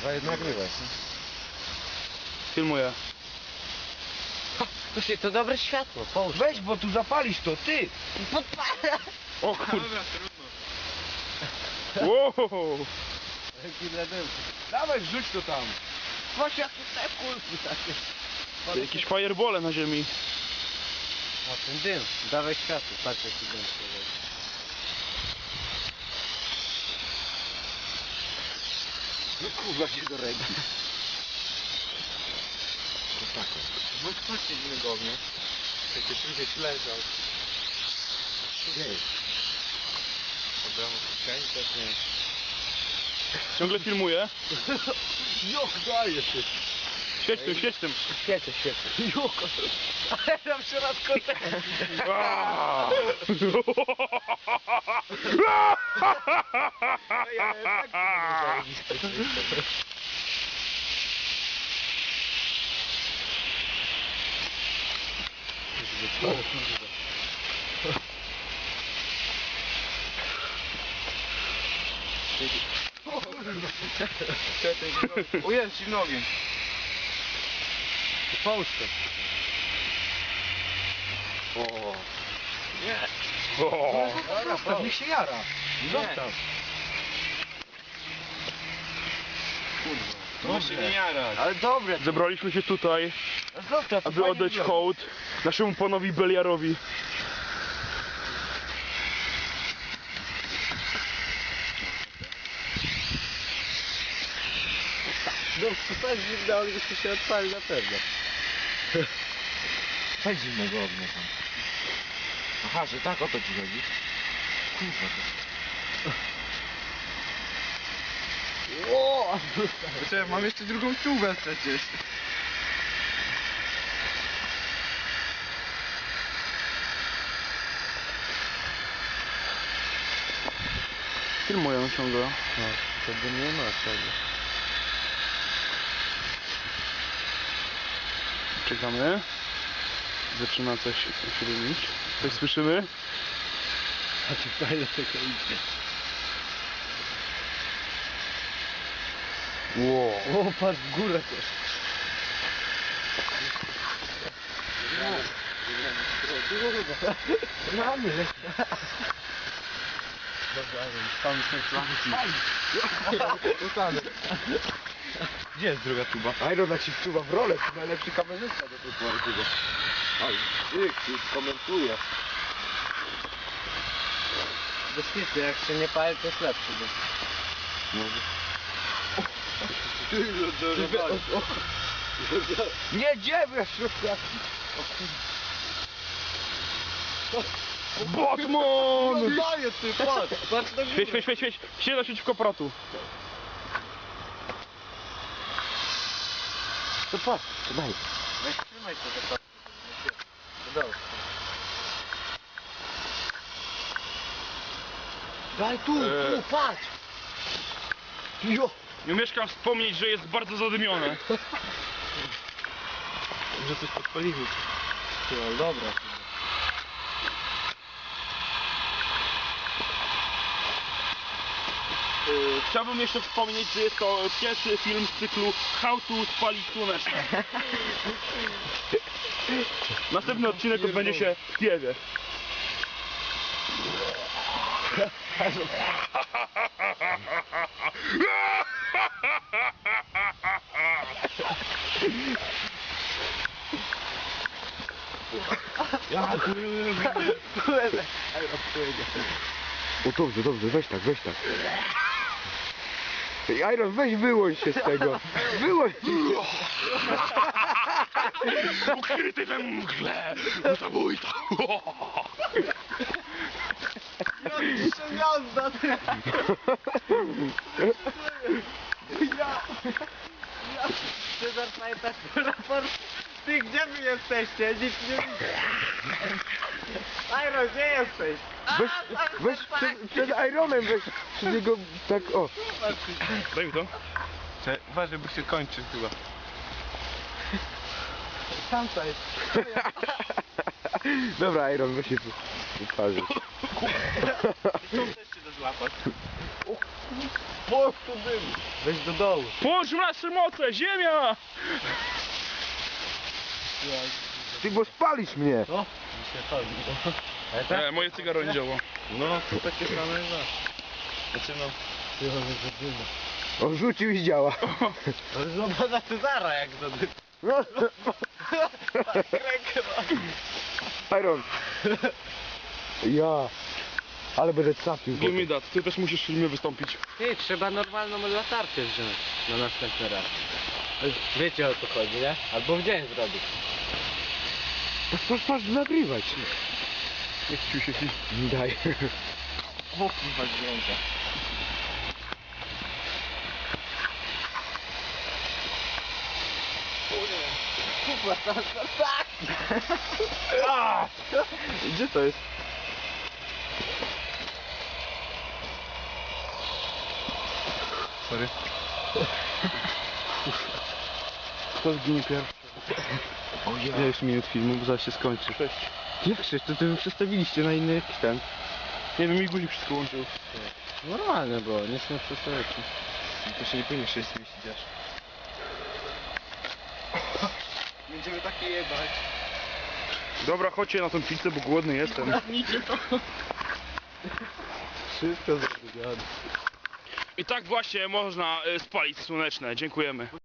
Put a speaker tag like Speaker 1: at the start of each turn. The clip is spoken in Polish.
Speaker 1: Dawaj, nagrywaj.
Speaker 2: Filmuję.
Speaker 1: Słuchaj, to dobre światło, połóż.
Speaker 3: Weź, bo tu zapalisz to, ty!
Speaker 1: Podpala!
Speaker 2: O kurde.
Speaker 4: Dobra, trudno.
Speaker 2: Wow.
Speaker 3: Dawaj, wrzuć to tam.
Speaker 1: Właśnie jak te kulki takie.
Speaker 2: Jakieś firebole na ziemi.
Speaker 1: A ten dym, dawaj światło, patrz jaki dym się robi.
Speaker 3: No kurwa się do ręki. To tak.
Speaker 4: No chodźcie innego ognia. Przecież tu gdzieś leżał.
Speaker 3: Gdzie jest?
Speaker 4: Dobra, kieszeni też nie.
Speaker 2: Ciągle filmuję.
Speaker 3: Jok, daje ty.
Speaker 2: Świeć tym, świeć tym.
Speaker 1: Świecę, świecę.
Speaker 3: Jok.
Speaker 1: Ale tam w środku tego.
Speaker 2: Aaa.
Speaker 4: O jest, zimny ogień.
Speaker 1: Połóż to.
Speaker 2: O.
Speaker 4: Nie.
Speaker 2: O.
Speaker 3: Zostaw, niech się jara. Zostaw.
Speaker 4: No się nie jarać.
Speaker 1: Ale dobre.
Speaker 2: Zebraliśmy się tutaj,
Speaker 1: Zostaw,
Speaker 2: aby oddać hołd naszemu panowi Beliarowi.
Speaker 1: No super zimno, ale byśmy się odpali na pewno.
Speaker 3: Weź zimnego ognia tam. Aha, że tak o to ci chodzi. Kurwa
Speaker 1: O!
Speaker 4: Czekaj, mam jeszcze drugą czułę przecież.
Speaker 2: Filmuję ciągle.
Speaker 1: No, wtedy nie ma czego.
Speaker 2: Czekamy. Zaczyna coś się robić. Coś słyszymy?
Speaker 1: A ty fajnie tego idzie.
Speaker 2: Wow.
Speaker 1: O, patrz w górę też. Mamy.
Speaker 4: Tam są flanki. Gdzie jest druga tuba?
Speaker 3: Iron ci wczuwa w rolę, to najlepszy kamerzysta do tej pory chyba. Aj, ty komentuje.
Speaker 1: Bezpiecznie, jak się nie pali, to jest lepszy.
Speaker 3: Nie, dziewię w środku.
Speaker 2: Batman!
Speaker 1: Daję ty, patrz! Patrz na górę.
Speaker 2: Świeć, świeć, świeć, świeć! Siedź naprzeciwko pratu.
Speaker 3: To patrz, to daj.
Speaker 1: Weź trzymaj to, że patrz. Dobrze. Daj tu,
Speaker 2: Eee.
Speaker 1: tu, patrz! Jo!
Speaker 2: Nie umieszkam wspomnieć, że jest bardzo zadymione.
Speaker 4: Może coś podpalimy.
Speaker 1: No, dobra.
Speaker 2: Chciałbym jeszcze wspomnieć, że jest to pierwszy film z cyklu How to spalić słoneczne. Następny odcinek odbędzie się w Kijowie.
Speaker 3: O dobrze, dobrze, weź tak, weź tak. Ej, Iron, weź wyłącz się z tego. Wyłącz się.
Speaker 2: Ukryty we mgle! Zabójca!
Speaker 1: Jazda, ty! Cezar pamiętasz raport? Ty, gdzie wy jesteście? Nikt nie widzi. Iron, gdzie jesteś?
Speaker 3: Weź przed Ironem, weź przy niego tak, o.
Speaker 2: Daj mi to.
Speaker 4: Uważaj, bo się kończy chyba.
Speaker 1: Tamta jest.
Speaker 3: Dobra, Iron, weź się tu twarzy.
Speaker 4: Też się da złapać.
Speaker 3: Po tu dym.
Speaker 1: Weź do dołu.
Speaker 2: Połącz nasze moce, ziemia!
Speaker 3: Ty, bo spalisz mnie.
Speaker 1: No, mi się chodzi. Ale tak?
Speaker 2: Moje cygaro nie działa.
Speaker 1: No, to takie same jak nasze. Znaczy no, ty mamy zadyma.
Speaker 3: On rzucił i działa.
Speaker 1: Ale zobacz na Cezara jak zadyma.
Speaker 3: No.
Speaker 1: Rękę ma.
Speaker 3: Iron. Ja. Ale będę trafił.
Speaker 2: Give me that, ty też musisz w filmie wystąpić.
Speaker 1: Ty, trzeba normalną latarkę wziąć na następny raz. Wiecie o co chodzi, nie? Albo w dzień zrobić.
Speaker 3: Patrz, nagrywać.
Speaker 2: Nie chcił się film.
Speaker 3: Daj.
Speaker 2: O kurwa, dźwięka.
Speaker 1: Kurwa, tak!
Speaker 3: Gdzie to jest?
Speaker 2: Sorry. Kto zginie pierwszy?
Speaker 3: O ja.
Speaker 2: Ja już minut filmu, bo zaraz się skończy. 6.
Speaker 3: Jak się, to wy przestawiliście na inny jakiś ten.
Speaker 2: Nie wiem, mi guzik wszystko łączył.
Speaker 1: Normalne było, nie są przestojki.
Speaker 3: To się nie powinien 6 mieścić aż.
Speaker 1: Będziemy takie jebać.
Speaker 2: Dobra, chodźcie na tą pizzę, bo głodny jestem.
Speaker 1: Wszystko zrobione.
Speaker 2: I tak właśnie można spalić słoneczne. Dziękujemy.